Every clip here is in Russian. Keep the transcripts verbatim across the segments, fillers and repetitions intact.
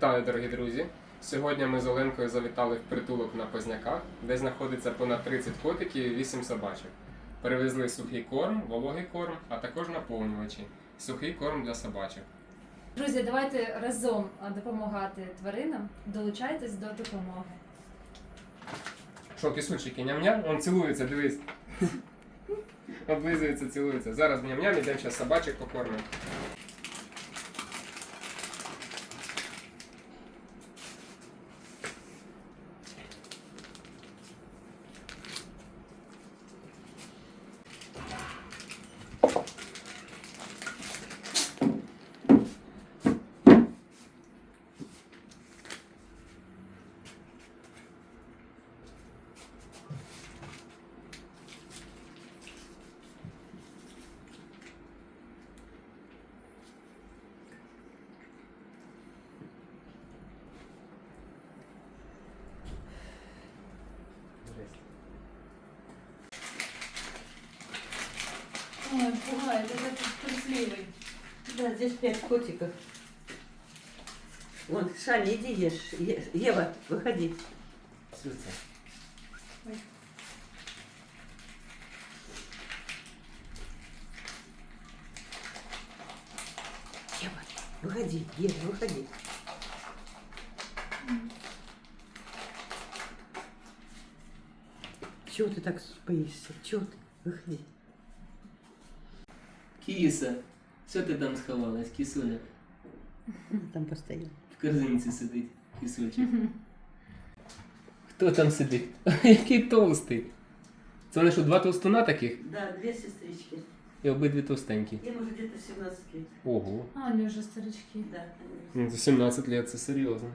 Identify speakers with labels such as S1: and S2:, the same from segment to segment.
S1: Вітаю, дорогі друзі! Сьогодні ми з Оленкою завітали в притулок на Позняках, де знаходиться понад тридцять котиків і вісім собачок. Перевезли сухий корм, вологий корм, а також наповнювачі. Сухий корм для собачок.
S2: Друзі, давайте разом допомагати тваринам. Долучайтесь до допомоги.
S1: Що, кисульчики, ням-ням? Он цілується, дивись. Облизується, цілується. Зараз ням-ням, ідемо зараз собачок покормимо.
S2: Ой, пугает, это трусливый.
S3: Да, здесь пять котиков. Вон, Шаня, иди ешь. Е- Ева, выходи.
S1: Цілується.
S3: Ева, выходи, ешь, выходи. Чего ты так боишься? Чего ты? Выходи.
S4: Кіса, що ти там сховалась, кісуля?
S3: Там постоянно.
S4: В корзинці сидить кісочок. Хто там сидить? Який толстий. Це вони що, два толстуна таких?
S3: Да, две сестрички.
S4: І обидві товстенькі.
S3: Им уже где-то семнадцать лет.
S1: Ого.
S2: А, они уже старички.
S3: Да.
S1: Ну, за сімнадцять років це серйозно.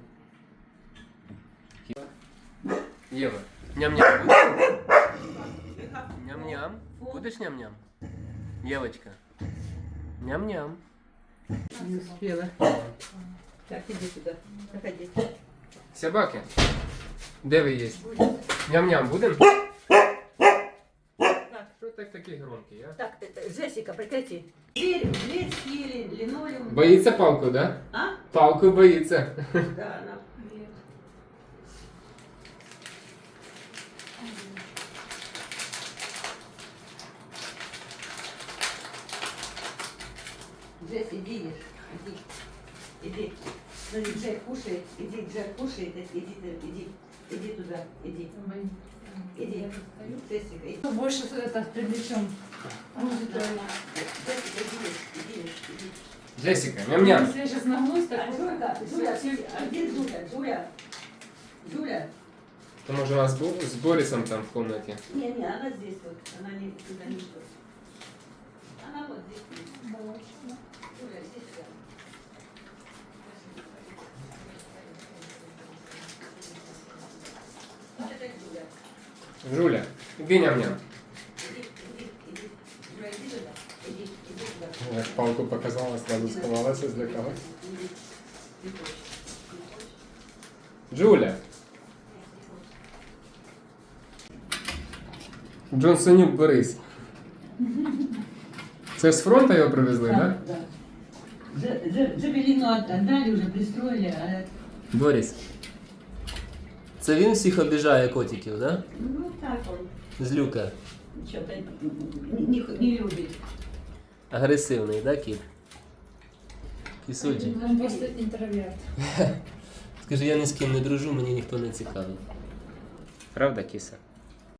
S1: Єва, ням-ням будеш? Ням-ням. Будеш ням-ням? Євочка. Ням-ням.
S3: Не успела. Так, иди туда. Проходи.
S1: Собаки, де ви є? Ням-ням будем? Що так такі громкі, а?
S3: Так, э, Джессика, прекрати. Дверь, дверь съели, линолеум.
S1: Боїться палку, да?
S3: А?
S1: Палку боїться.
S3: Да, она. Джесс, иди ешь. Иди. Иди. Смотри, Джек кушает. Иди, Джек кушает. Иди, ты, иди. Иди туда. Иди. Иди. Джессика, иди.
S2: Что больше это привлечем? Может,
S3: Да. Джессика, иди ешь. Иди ешь. Иди.
S1: Джесіка, ням-ням.
S2: если я сейчас нагнусь,
S3: А,
S2: так
S3: Жуля, Жуля, а где Жуля? Жуля. Жуля.
S1: То може вона з, Бо- з Борисом там в кімнаті?
S3: Не, не, она здесь вот. Она не туда не идет. Она вот здесь. Жуля, иди сюда. Это Жуля.
S1: Жуля, іди ням-ням.
S3: Иди, иди, иди. Жуля, иди туда. Иди, иди туда.
S1: Як палку показала, сразу сховалася, злякалась.
S3: Иди. Ты хочешь?
S1: Джуля. Джонсонюк Борис. Це з фронту його привезли, так?
S3: Да. Же- же- Жабелину отдали, уже пристроили, а
S4: Борис. Це він всіх обіжає котиків, да?
S3: ну так он
S4: Злюка.
S3: что-то не, не, не любит.
S4: Агресивний, да, кіт? Кісульчик.
S2: он просто интроверт.
S4: Скажи, я ні з ким не дружу, мені ніхто не цікавий.
S1: Правда, кіса?